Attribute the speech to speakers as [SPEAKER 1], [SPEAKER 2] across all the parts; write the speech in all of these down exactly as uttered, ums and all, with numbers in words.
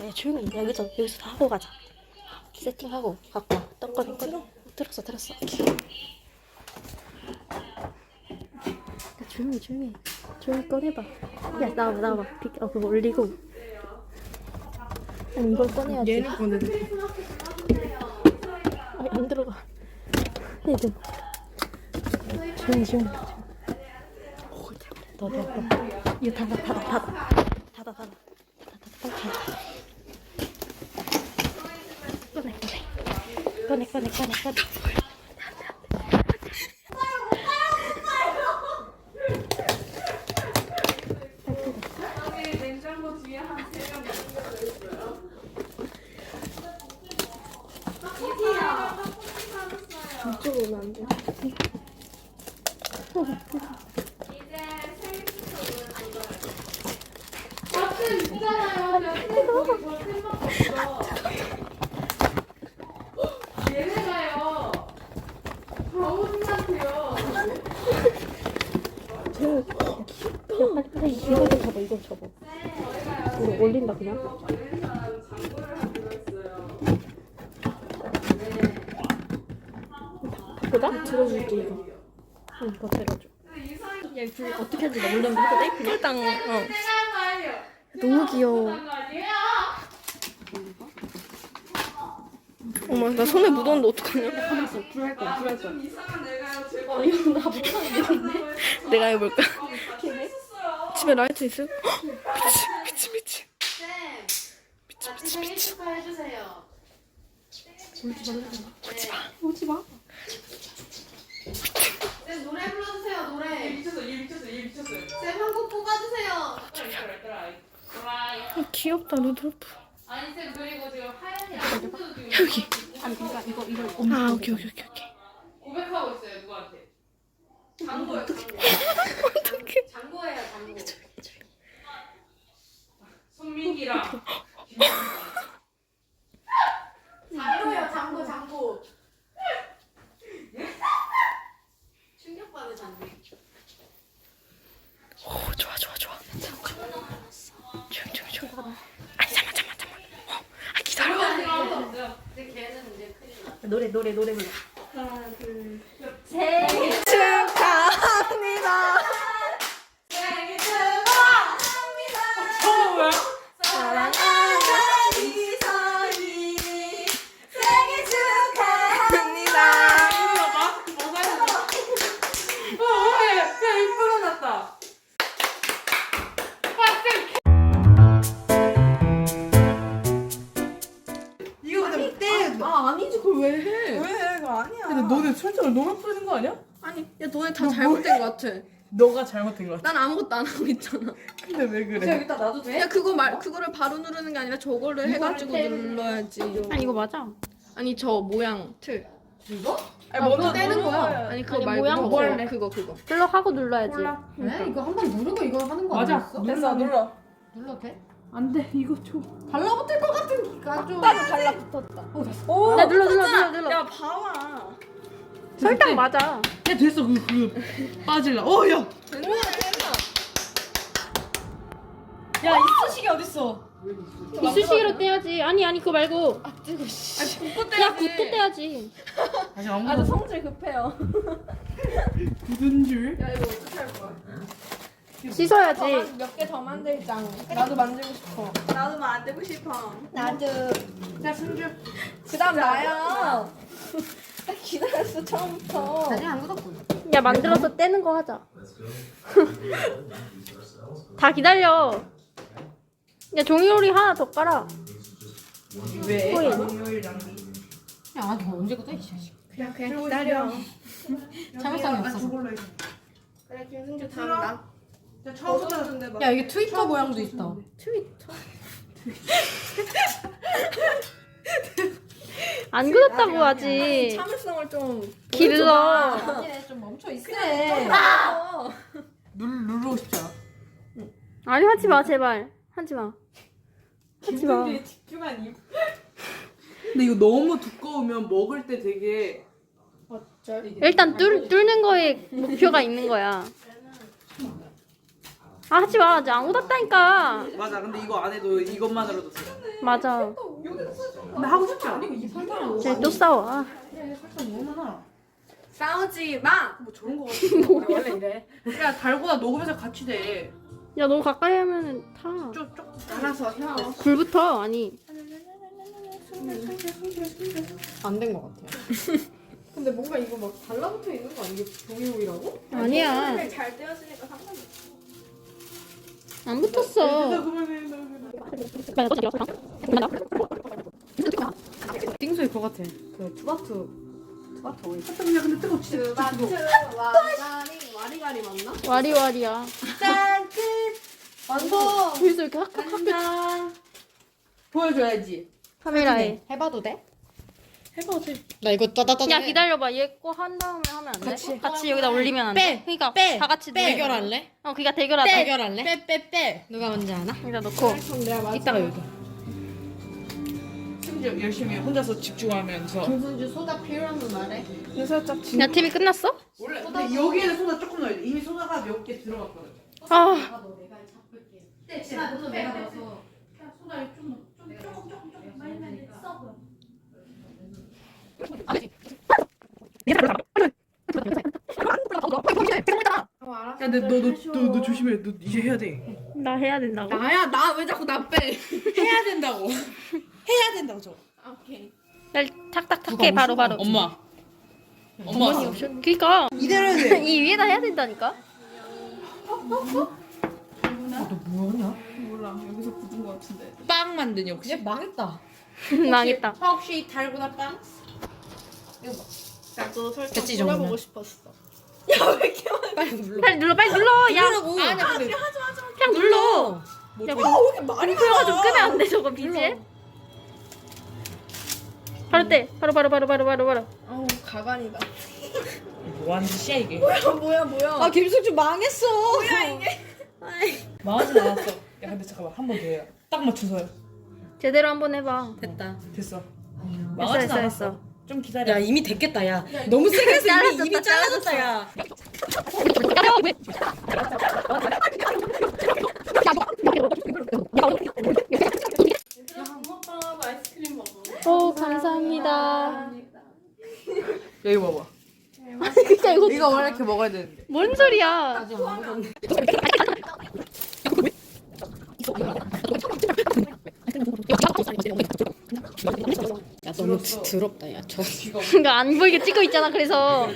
[SPEAKER 1] 야 조용히 여기서 여기서 다 하고 가자. 세팅하고 갖고 와. 떡 꺼내 꺼내. 들었어 들었어. 야 조용히 조용히 조용히 꺼내봐. 야 나와봐 나와봐. 비, 어 그거 올리고. 아니 이걸 꺼내야지.
[SPEAKER 2] 얘는 꺼내.
[SPEAKER 1] 아니 안 들어가. 얘들 조용히 조용히. 너 너 너. 이거 닫아 닫아 닫아 닫아 닫아 닫아 닫아 꺼내 꺼내 꺼내 꺼내 꺼내 꺼내.
[SPEAKER 2] 냉장고 뒤에 한 세 명 있어요.
[SPEAKER 1] 이쪽으로 오면 안 돼.
[SPEAKER 2] 버튼 있잖아요. 버튼 버튼만 있어. 얘네가요. 거울같아요.
[SPEAKER 1] 쟤, 야 빨리 빨리 이거 좀 접어 이거 접어. 우리 올린다 그냥. 바꾸자? 들어줄게 이거. 응 이거 들어줘. 얘불 어떻게 하는지 나 몰랐는데 해도 돼? 그냥?
[SPEAKER 3] 일단 어.
[SPEAKER 1] 너무 귀여워.
[SPEAKER 3] 어머 나 손에 묻었는데 어떡하냐?
[SPEAKER 1] 불할 거야 불할 거야.
[SPEAKER 2] 어,
[SPEAKER 1] 이거 나 못하는데?
[SPEAKER 3] 내가 해볼까? 집에 라이트 있어? 미치 미치 미치 미치 미치 미치
[SPEAKER 2] 해주세요.
[SPEAKER 1] 오지 마 오지 마.
[SPEAKER 2] 쌤 노래 불러주세요. 노래.
[SPEAKER 4] 얘 미쳤어, 얘 미쳤어, 얘 미쳤어요.
[SPEAKER 2] 쌤 한 곡 뽑아주세요.
[SPEAKER 3] 아, 귀엽다 루돌프.
[SPEAKER 2] 아니 쌤 그리고 지금 하얀이 아무도 지금
[SPEAKER 3] 여기.
[SPEAKER 1] 아니 그러니까 이거 이걸
[SPEAKER 3] 아 오케이 오케이 오케이 오케이.
[SPEAKER 2] 고백하고 있어요 누구한테? 장고요 장고.
[SPEAKER 3] 어떡해.
[SPEAKER 2] 장고예요 장고.
[SPEAKER 4] 손민기랑
[SPEAKER 2] 장고예요 장고 장고. 충격받은 장고.
[SPEAKER 3] 오 좋아 좋아 좋아. 조용 조용 조용. 아니 잠만 잠만 잠만. 어, 아 기다려.
[SPEAKER 2] 근데 걔는 이제 큰일 나.
[SPEAKER 1] 노래 노래 노래 불러.
[SPEAKER 3] 생일 축하합니다.
[SPEAKER 2] 생일 축하합니다.
[SPEAKER 4] 처음이야?
[SPEAKER 3] 사랑하는
[SPEAKER 2] 이선이 생일 축하합니다.
[SPEAKER 3] 합니다.
[SPEAKER 4] 마스크 벗어야 돼. 어, 야, 야, 이쁘게 났다.
[SPEAKER 2] 이거 근데 때. 아 아니지 그걸 왜 해?
[SPEAKER 4] 왜? 그거 아니야.
[SPEAKER 2] 근데
[SPEAKER 4] 너네 설정을 너무 뿌리는 거 아니야?
[SPEAKER 3] 아니 야 너네 다 잘못된 것 같아.
[SPEAKER 4] 너가 잘못된 거 같아.
[SPEAKER 3] 난 아무것도 안 하고 있잖아.
[SPEAKER 4] 근데 왜 그래?
[SPEAKER 2] 여기다 놔도 돼?
[SPEAKER 3] 야 그거 말 그거를 바로 누르는 게 아니라 저거를 해가지고 눌러야지.
[SPEAKER 1] 아니 이거 맞아.
[SPEAKER 3] 아니 저 모양 틀.
[SPEAKER 2] 이거?
[SPEAKER 4] 아니, 먼저
[SPEAKER 3] 떼는 거야.
[SPEAKER 4] 눌러야
[SPEAKER 3] 아니 그거
[SPEAKER 1] 아니,
[SPEAKER 3] 말고
[SPEAKER 1] 모양
[SPEAKER 3] 그거
[SPEAKER 1] 뭐
[SPEAKER 3] 그거 그거.
[SPEAKER 1] 플럭하고 눌러야지.
[SPEAKER 2] 네? 이거 한 번 누르고 이거 하는 거
[SPEAKER 4] 맞아.
[SPEAKER 2] 아니었어?
[SPEAKER 4] 됐어, 눌러.
[SPEAKER 2] 눌러도 돼?
[SPEAKER 4] 안 돼, 이거 줘.
[SPEAKER 2] 달라붙을 것 같은 기가 좀.
[SPEAKER 3] 달라붙었다.
[SPEAKER 4] 오,
[SPEAKER 1] 야 눌러 눌러 눌러 눌러.
[SPEAKER 4] 야, 봐봐.
[SPEAKER 1] 설탕 맞아.
[SPEAKER 4] 야, 됐어, 그, 그, 빠질라. 어, 야.
[SPEAKER 3] 됐나 됐나.
[SPEAKER 4] 야, 이쑤시개 어딨어?
[SPEAKER 1] 이쑤시개로 떼야지. 아니 아니 그거 말고.
[SPEAKER 3] 아 뜨거 씨.
[SPEAKER 4] 아니, 붓고
[SPEAKER 1] 야 붓고 떼야지.
[SPEAKER 4] 아직 안
[SPEAKER 3] 아저
[SPEAKER 4] 묻었어.
[SPEAKER 3] 성질 급해요.
[SPEAKER 4] 굳은 줄.
[SPEAKER 3] 야 이거 어떻게 할 거야?
[SPEAKER 1] 씻어야지.
[SPEAKER 3] 몇 개 더 만들자. 나도 만들고 싶어.
[SPEAKER 2] 나도 만들고 싶어.
[SPEAKER 3] 나도.
[SPEAKER 4] 자, 손줄.
[SPEAKER 3] 그다음 나야. 나 기다렸어 처음부터.
[SPEAKER 2] 아직 안 굳었고.
[SPEAKER 1] 야 만들어서 떼는 거 하자. 다 기다려. 야 종이놀이 하나 더 깔아.
[SPEAKER 4] 왜?
[SPEAKER 1] 코인.
[SPEAKER 4] 금요일 낭비.
[SPEAKER 2] 야, 너 언제 굳어 이 자식.
[SPEAKER 3] 그냥 그냥 기다려.
[SPEAKER 2] 참을성이
[SPEAKER 4] 아,
[SPEAKER 2] 없어.
[SPEAKER 4] 저걸로 해.
[SPEAKER 3] 그래 김승주 다음 나.
[SPEAKER 4] 자, 처음부터.
[SPEAKER 2] 야, 이게 트위터 모양도 있다.
[SPEAKER 3] 트위터.
[SPEAKER 1] 안 그렇다고 하지.
[SPEAKER 3] 참을성을 좀
[SPEAKER 1] 길러.
[SPEAKER 2] 아니네, 좀 멈춰 있으래.
[SPEAKER 4] 눌, 누르고 싶잖아.
[SPEAKER 1] 아니 하지 마 제발. 하지 마. 하지 마.
[SPEAKER 4] 집중한 이유. 근데 이거 너무 두꺼우면 먹을 때 되게
[SPEAKER 1] 일단 뚫 뚫는 거에 목표가 있는 거야. 아 하지 마. 이제 안 웃었다니까.
[SPEAKER 4] 맞아. 근데 이거 안 해도 이것만으로도 돼.
[SPEAKER 1] 맞아.
[SPEAKER 4] 나 하고 싶지 않아.
[SPEAKER 1] 쟤 또 싸워. 아,
[SPEAKER 4] 살짝 너무 많아.
[SPEAKER 2] 싸우지 마.
[SPEAKER 4] 뭐 저런 거 같아. 원래 이래. 야 달고나 녹으면서 같이 돼.
[SPEAKER 1] 야 너무 가까이 하면은 타.
[SPEAKER 4] 쪽쪽.
[SPEAKER 2] 알아서 혀.
[SPEAKER 1] 불부터 아니.
[SPEAKER 2] 안 된 것 같아요. 근데 뭔가 이거 막 달라붙어 있는 거 아니게 종이호이라고?
[SPEAKER 1] 아니야.
[SPEAKER 2] 잘 떼어지니까 상관없어.
[SPEAKER 1] 안 붙었어.
[SPEAKER 2] 띵소일 것 같아. 그 투바투 투바투 오일.
[SPEAKER 4] 야 근데 뜨거 진짜
[SPEAKER 2] 투바투
[SPEAKER 4] 뜨거.
[SPEAKER 2] 와리가리 와리가리 맞나?
[SPEAKER 1] 와리와리야.
[SPEAKER 2] 짠 끝. 완성.
[SPEAKER 1] 그래서 이렇게 학교 학교
[SPEAKER 2] 간다.
[SPEAKER 4] 보여줘야지.
[SPEAKER 1] 카메라에.
[SPEAKER 2] 해봐도 돼?
[SPEAKER 1] 해봐 돼.
[SPEAKER 2] 나 이거 따다따다.
[SPEAKER 1] 야 기다려봐. 얘 거 한 다음에 하면 안 돼?
[SPEAKER 2] 같이.
[SPEAKER 1] 같이 여기다 올리면 안 돼?
[SPEAKER 2] 빼,
[SPEAKER 1] 그러니까
[SPEAKER 2] 빼,
[SPEAKER 1] 다 같이
[SPEAKER 2] 빼.
[SPEAKER 1] 누-
[SPEAKER 2] 대결할래?
[SPEAKER 1] 어 그니까 대결하자.
[SPEAKER 2] 대결할래? 빼빼빼. 누가 먼저 하나?
[SPEAKER 1] 여기다 넣고.
[SPEAKER 2] 이따가 여기.
[SPEAKER 4] 심지어 열심히 혼자서 집중하면서.
[SPEAKER 2] 김순주 소다 필요하면 말해.
[SPEAKER 4] 근데 살짝 진.
[SPEAKER 1] 야 티비 끝났어?
[SPEAKER 4] 원래 근데 여기에는 소다 조금 넣어야 돼. 이미 소다가 몇 개 들어갔거든.
[SPEAKER 1] 아
[SPEAKER 2] 네, 제가 너도 내가 넣어서.
[SPEAKER 4] 야 근데 너너너 너 조심해. 너 이제 해야 돼.
[SPEAKER 1] 나 해야 된다고.
[SPEAKER 2] 나야 나 왜 자꾸 나 빼?
[SPEAKER 4] 해야 된다고. 해야 된다고 저.
[SPEAKER 2] 오케이.
[SPEAKER 1] 야 탁탁탁해 바로 바로.
[SPEAKER 4] 엄마.
[SPEAKER 1] 어머니 없어. 그니까
[SPEAKER 4] 이대로 해야 돼.
[SPEAKER 1] 이 위에다 해야 된다니까.
[SPEAKER 4] 너 뭐하냐?
[SPEAKER 2] 몰라 여기서 굳은 거 같은데.
[SPEAKER 4] 빵 만드니 혹시?
[SPEAKER 2] 얘 망했다.
[SPEAKER 1] 망했다.
[SPEAKER 2] 혹시 달고나 빵? 이거 봐. 나도 설탕
[SPEAKER 4] 됐지,
[SPEAKER 2] 뿌려보고
[SPEAKER 4] 정도면?
[SPEAKER 2] 싶었어. 야 왜 이렇게 많이 빨리 눌러.
[SPEAKER 1] 빨리 눌러 빨리 눌러. 야
[SPEAKER 2] 누르라고. 아니야 근데
[SPEAKER 1] 그냥 눌러.
[SPEAKER 4] 뭐
[SPEAKER 1] 야
[SPEAKER 4] 좀-
[SPEAKER 1] 뭐,
[SPEAKER 2] 왜 이렇게 많이
[SPEAKER 1] 불러가지고 끄면 안 돼 저거 비지? 바로 떼. 바로 바로 바로 바로 바로 바로.
[SPEAKER 2] 어우 가관이다.
[SPEAKER 4] 뭐 하는 짓이야 이게?
[SPEAKER 2] 뭐야 뭐야 뭐야. 아 김숙주 망했어. 뭐야 이게.
[SPEAKER 4] 망하진 않았어. 야 근데 잠깐만 한 번 더 해라. 딱 맞춰서요.
[SPEAKER 1] 제대로 한번 해봐.
[SPEAKER 2] 됐다.
[SPEAKER 4] 됐어.
[SPEAKER 1] 했어
[SPEAKER 4] 망하진
[SPEAKER 1] 했어
[SPEAKER 4] 않았어.
[SPEAKER 1] 했어.
[SPEAKER 4] 좀 기다려.
[SPEAKER 2] 야 이미 됐겠다 야. 너무 세게 해서
[SPEAKER 1] 잘라졌다,
[SPEAKER 2] 이미, 이미 잘라졌다 야. 붕어빵하고 아이스크림 먹어.
[SPEAKER 1] 오 감사합니다.
[SPEAKER 4] 여기 봐봐.
[SPEAKER 1] 그니까 이거
[SPEAKER 4] 이거 원래 이렇게 먹어야 되는데.
[SPEAKER 1] 뭔 소리야?
[SPEAKER 2] 야 너무 드, 더럽다 야 저.
[SPEAKER 1] 그러니까 안 보이게 찍고 있잖아. 그래서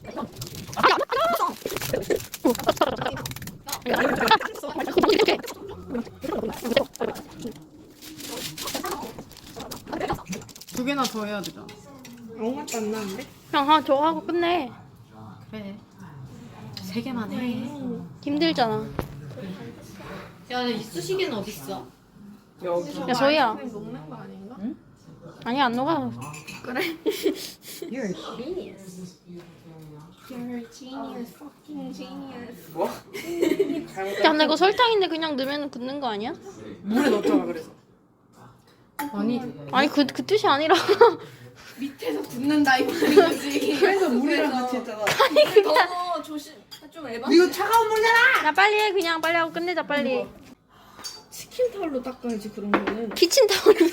[SPEAKER 2] 두 개나 더 해야 되잖아. 아무 맛도 안 나는데?
[SPEAKER 1] 그냥 하 저거 하고 끝내.
[SPEAKER 2] 그래. 세 개만 해.
[SPEAKER 1] 힘들잖아.
[SPEAKER 2] 야 이쑤시개는 어디 있어?
[SPEAKER 4] 여기.
[SPEAKER 1] 야 소희야.
[SPEAKER 2] 녹는 거 아닌가?
[SPEAKER 1] 아니 안 녹아.
[SPEAKER 4] You're
[SPEAKER 2] Genius. You're genius. Fucking genius.
[SPEAKER 4] 뭐?
[SPEAKER 1] 야 근데 이거 설탕인데 그냥 넣으면 굳는 거 아니야?
[SPEAKER 4] 물에 넣었잖아 그래서.
[SPEAKER 2] 아니
[SPEAKER 1] 아니 그 그 뜻이 아니라.
[SPEAKER 2] 밑에서 굳는다 이 말이지.
[SPEAKER 4] 그래서 물이랑 같이 했잖아.
[SPEAKER 2] 너무 조심. 좀 에바.
[SPEAKER 4] 이거 차가운 물이잖아.
[SPEAKER 1] 야 빨리 해 그냥 빨리 하고 끝내자 빨리.
[SPEAKER 2] 치킨 타올로 닦아야지 그런 거는.
[SPEAKER 1] 키친타올이.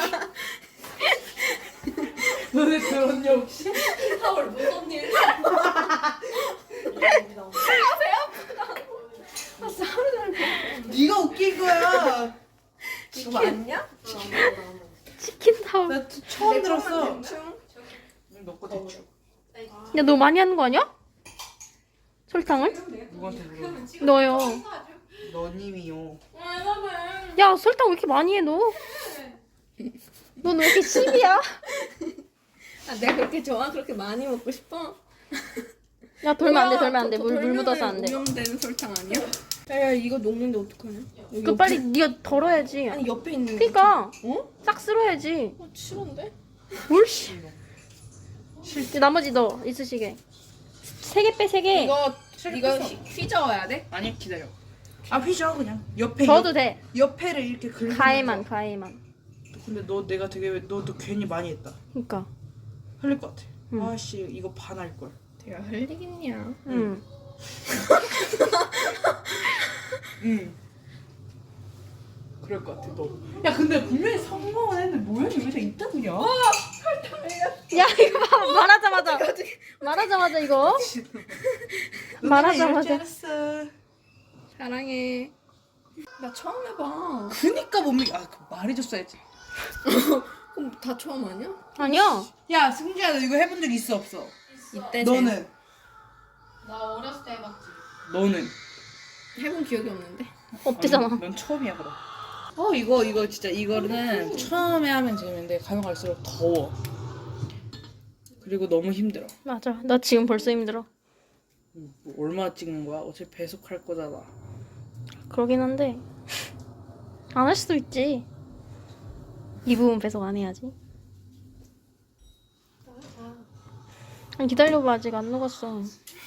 [SPEAKER 4] 너네 들었냐 혹시?
[SPEAKER 2] 타올 무슨 일?
[SPEAKER 4] 네가 웃긴 거야.
[SPEAKER 2] 이거 맞냐?
[SPEAKER 1] 치킨타올.
[SPEAKER 4] 나 처음 들었어. 넣고 대충.
[SPEAKER 1] 야 너 많이 하는 거 아니야? 설탕을?
[SPEAKER 4] 누구한테 물어?
[SPEAKER 1] 넣어요.
[SPEAKER 4] 너님이요.
[SPEAKER 1] 야 설탕 왜 이렇게 많이 해 너? 넌 왜 이렇게 십이야?
[SPEAKER 2] 아, 내가 그렇게 좋아? 그렇게 많이 먹고 싶어?
[SPEAKER 1] 야 돌면 안 돼 돌면 안 돼. 물 물 묻어서 안 돼.
[SPEAKER 2] 오염되는 설탕 아니야? 야 이거 녹는데 어떡하냐? 여기
[SPEAKER 1] 그
[SPEAKER 2] 옆에-
[SPEAKER 1] 빨리 네가 덜어야지.
[SPEAKER 2] 아니 옆에 있는 거.
[SPEAKER 1] 그니까
[SPEAKER 2] 어?
[SPEAKER 1] 싹 쓸어야지.
[SPEAKER 2] 어, 싫은데?
[SPEAKER 1] 뭘 씨. 이제 나머지 넣어 이쑤시개. 세 개 빼 세 개.
[SPEAKER 2] 이거 이거 휘- 휘저어야 돼?
[SPEAKER 4] 아니 기다려. 아 휘저 그냥 옆에
[SPEAKER 1] 저어도
[SPEAKER 4] 옆,
[SPEAKER 1] 돼.
[SPEAKER 4] 옆에를 이렇게 긁는
[SPEAKER 1] 가에만
[SPEAKER 4] 거.
[SPEAKER 1] 가에만.
[SPEAKER 4] 근데 너 내가 되게 너도 괜히 많이 했다.
[SPEAKER 1] 그니까.
[SPEAKER 4] 흘릴 것 같아.
[SPEAKER 1] 응.
[SPEAKER 4] 아씨 이거 반할 걸.
[SPEAKER 2] 내가 흘리겠냐?
[SPEAKER 1] 응.
[SPEAKER 4] 응. 그럴 것 같아 너. 야 근데 분명히 성공은 했는데 모양이 왜 다 이따구냐?
[SPEAKER 1] 야 이거 봐, 말하자마자 말하자마자 이거 말하자마자
[SPEAKER 4] 알았어.
[SPEAKER 2] 사랑해. 나 처음 해봐.
[SPEAKER 4] 그니까 못 믿. 아 그 말해줬어야지.
[SPEAKER 2] 그럼 다 처음 아니야?
[SPEAKER 1] 아니야.
[SPEAKER 4] 야 승주야 너 이거 해본 적 있어 없어?
[SPEAKER 2] 이때
[SPEAKER 4] 너는
[SPEAKER 2] 나 어렸을 때 해봤지.
[SPEAKER 4] 너는
[SPEAKER 2] 해본 기억이 없는데.
[SPEAKER 1] 없대잖아.
[SPEAKER 4] 넌, 넌 처음이야 그럼. 어 이거 이거 진짜 이거는 처음에 하면 재밌는데 가면 갈수록 더워. 그리고 너무 힘들어.
[SPEAKER 1] 맞아. 나 지금 벌써 힘들어.
[SPEAKER 4] 뭐 얼마나 찍는 거야? 어차피 배속할 거잖아.
[SPEAKER 1] 그러긴 한데 안 할 수도 있지. 이 부분 배속 안 해야지. 아니, 기다려봐. 아직 안 녹았어.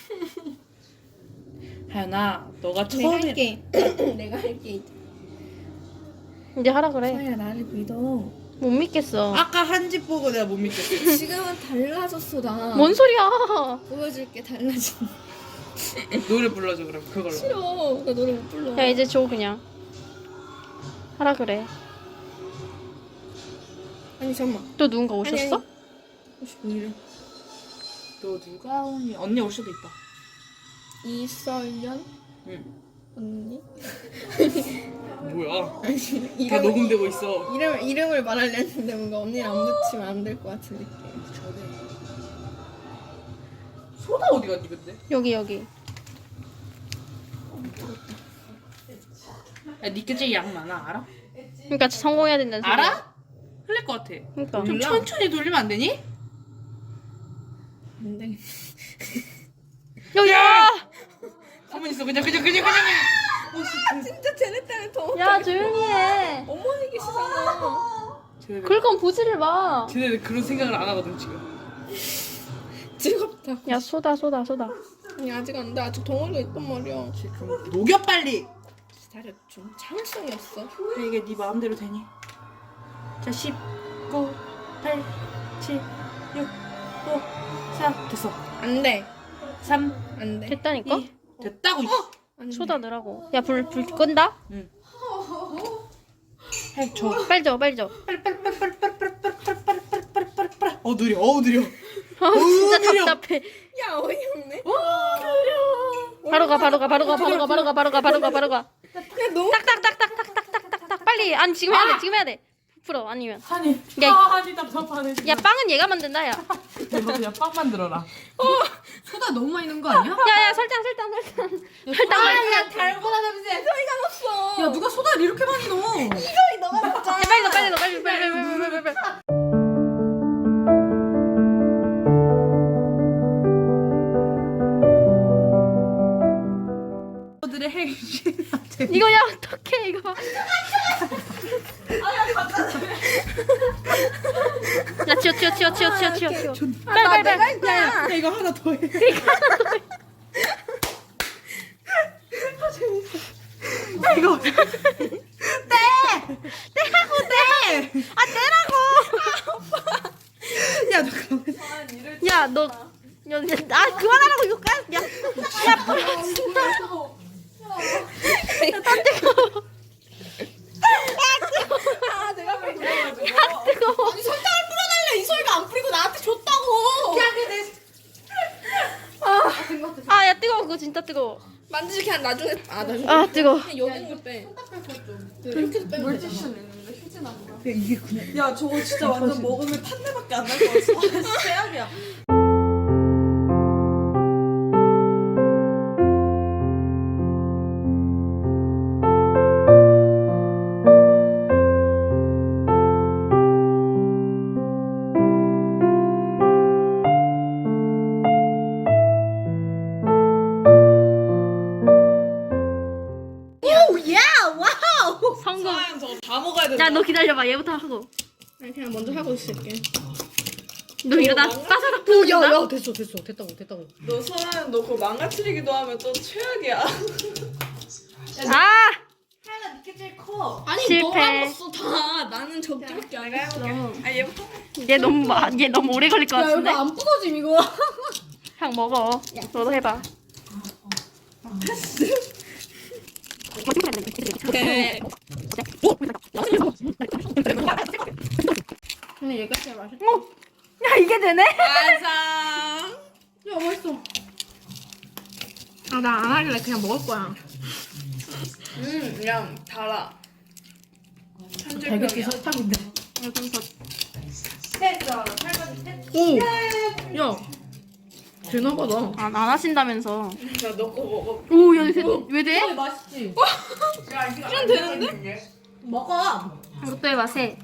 [SPEAKER 4] 하연아 너가
[SPEAKER 2] 내가
[SPEAKER 4] 처음에
[SPEAKER 2] 할게. 내가 할게 이제.
[SPEAKER 1] 이제 하라 그래.
[SPEAKER 2] 하야 나를 믿어.
[SPEAKER 1] 못 믿겠어.
[SPEAKER 4] 아까 한 집 보고 내가 못 믿겠어.
[SPEAKER 2] 지금은 달라졌어 나.
[SPEAKER 1] 뭔 소리야.
[SPEAKER 2] 보여줄게 달라진.
[SPEAKER 4] 노래 불러줘 그럼 그걸로.
[SPEAKER 2] 싫어. 나 노래 못 불러.
[SPEAKER 1] 야 이제 줘 그냥. 하라 그래.
[SPEAKER 2] 아니 잠만.
[SPEAKER 1] 또 누군가 오셨어?
[SPEAKER 2] 왜 이래?
[SPEAKER 4] 또 누가 오니? 언니 올 수도 있다.
[SPEAKER 2] 이설연
[SPEAKER 4] 응.
[SPEAKER 2] 언니?
[SPEAKER 4] 뭐야?
[SPEAKER 2] 아니
[SPEAKER 4] 다
[SPEAKER 2] 이름
[SPEAKER 4] 녹음되고 있어.
[SPEAKER 2] 이름 이름을 말하려 했는데 뭔가 언니를 안 붙이면 안 될 것 같은 느낌.
[SPEAKER 4] 소다 어디 갔니 근데?
[SPEAKER 1] 여기 여기.
[SPEAKER 4] 야 니께 제일 양 많아 알아?
[SPEAKER 1] 그러니까 성공해야 된다는 소리야.
[SPEAKER 4] 알아? 흘릴 것 같아.
[SPEAKER 1] 그러니까.
[SPEAKER 4] 좀 천천히 돌리면 안 되니?
[SPEAKER 2] 안 돼.
[SPEAKER 1] 야!
[SPEAKER 4] 가만히 있어 그냥 그냥 그냥 그냥. 어, 진짜.
[SPEAKER 2] 진짜 쟤네 때문에 더.
[SPEAKER 1] 야 조용히 해.
[SPEAKER 2] 어머니 계시잖아.
[SPEAKER 4] 쟤네들,
[SPEAKER 1] 그럴 거면 보지를 마.
[SPEAKER 4] 쟤네들 그런 생각을 안 하거든 지금.
[SPEAKER 2] 즐겁다.
[SPEAKER 1] 야 소다 소다 소다.
[SPEAKER 2] 아니 아직 안 돼. 아직 덩어리가 있단 말이야.
[SPEAKER 4] 지금 녹여 빨리.
[SPEAKER 2] 기다려 좀. 참을성이 없어.
[SPEAKER 4] 그래, 이게 네 마음대로 되니? 자 십, 구, 팔, 칠, 육, 오, 사 됐어.
[SPEAKER 2] 안 돼.
[SPEAKER 4] 삼,
[SPEAKER 2] 안 돼.
[SPEAKER 1] 됐다니까?
[SPEAKER 4] 이 됐다고.
[SPEAKER 2] 안 돼.
[SPEAKER 1] 소다 넣으라고. 야 불 불 끈다?
[SPEAKER 4] 해 줘.
[SPEAKER 1] 빨리 줘 빨리 줘.
[SPEAKER 4] 어 느려. 어 느려.
[SPEAKER 1] 아 진짜
[SPEAKER 4] 느려.
[SPEAKER 1] 답답해.
[SPEAKER 2] 야 어이없네.
[SPEAKER 1] 바로 가 바로 가 바로 가 바로 가 바로 가 바로 가 바로 가 바로 가.
[SPEAKER 2] 야 너무.
[SPEAKER 1] 딱딱딱딱딱딱딱딱 빨리. 아니 지금 해야 돼 지금 해야 돼. 풀어 아니면.
[SPEAKER 4] 한이.
[SPEAKER 1] 야,
[SPEAKER 4] 아 한이 답답하네.
[SPEAKER 1] 야 빵은 얘가 만든다 야.
[SPEAKER 4] 내가 그냥 빵 만들어라.
[SPEAKER 2] 소다 너무 많이 넣은 거 아니야?
[SPEAKER 1] 야야 설탕 설탕 설탕. 설탕 설탕.
[SPEAKER 2] 달고나 냄새. 소리가 났어.
[SPEAKER 4] 야 누가 소다를 이렇게 많이 넣어?
[SPEAKER 2] 소리 너가 났잖아.
[SPEAKER 1] 야, 빨리 넣어 빨리 넣어 빨리 빨리 빨리 빨리 빨리 빨리.
[SPEAKER 4] 들의 핵심.
[SPEAKER 1] 이거 야 어떡해 이거. 야 치워 치워 치워 치워 치워 치워 치워. 빨리 빨리 빨리.
[SPEAKER 4] 야 이거 하나 더 해. 아 이거.
[SPEAKER 1] 떼라고 떼. 아 떼라고.
[SPEAKER 4] 야 잠깐만.
[SPEAKER 1] 야 너. 야, 아 그만하라고 이거 까. 야. 야 뿌려 진짜. 야딴 뜨거.
[SPEAKER 2] 아 내가 그래.
[SPEAKER 1] 야 뜨거.
[SPEAKER 2] 아니 설탕을 뿌려달래. 이 소리가 안 뿌리고 나한테 줬다고. 야 근데
[SPEAKER 1] 아야 뜨거워 그거 진짜 뜨거워.
[SPEAKER 2] 만지지 그냥 나중에. 아 나중에.
[SPEAKER 1] 아 뜨거워.
[SPEAKER 2] 그냥 여기 있는 거 빼. 이렇게 해서 빼면 되잖아.
[SPEAKER 4] 야 이게 그냥.
[SPEAKER 5] 야 저거 진짜 완전 먹으면 탄내밖에 안 날 것 같아. 최악이야.
[SPEAKER 1] 성공.
[SPEAKER 5] 사연 저거 다 먹어야 된다.
[SPEAKER 1] 야 너 기다려봐 얘부터 하고.
[SPEAKER 2] 아니 그냥 먼저 하고 있을게.
[SPEAKER 1] 너 이러다 따사닥 부러진다.
[SPEAKER 2] 야야 됐어 됐어 됐다고 됐다고.
[SPEAKER 5] 너 서연 너 그거 망가뜨리기도 하면 또 최악이야.
[SPEAKER 1] 아
[SPEAKER 5] 하연아 니께 제일 커.
[SPEAKER 2] 아니
[SPEAKER 1] 실패.
[SPEAKER 2] 너가 먹었어 다. 나는 적지밖에 안
[SPEAKER 5] 내가
[SPEAKER 2] 했어.
[SPEAKER 5] 해볼게. 아 얘부터.
[SPEAKER 1] 얘 너무 마, 얘 너무 오래 걸릴 것
[SPEAKER 2] 야 이거
[SPEAKER 1] 같은데.
[SPEAKER 2] 안 부서짐 이거.
[SPEAKER 1] 그냥 먹어. 너도 해봐.
[SPEAKER 2] 네. 맛있다.
[SPEAKER 1] 야 이게 되네?
[SPEAKER 4] 완성.
[SPEAKER 2] 야 맛있어. 아 나 안 할래. 그냥 먹을 거야.
[SPEAKER 4] 음, 그냥 달아.
[SPEAKER 2] 달걀이 설탕인데. 오. 야. 되나 봐 나.
[SPEAKER 1] 안, 안 하신다면서.
[SPEAKER 4] 자, 넣고 먹어.
[SPEAKER 1] 오, 야, 돼, 왜 돼?
[SPEAKER 2] 맛있지.
[SPEAKER 4] 시간 되는데?
[SPEAKER 2] 먹어.
[SPEAKER 1] 이것도 해봐, 새.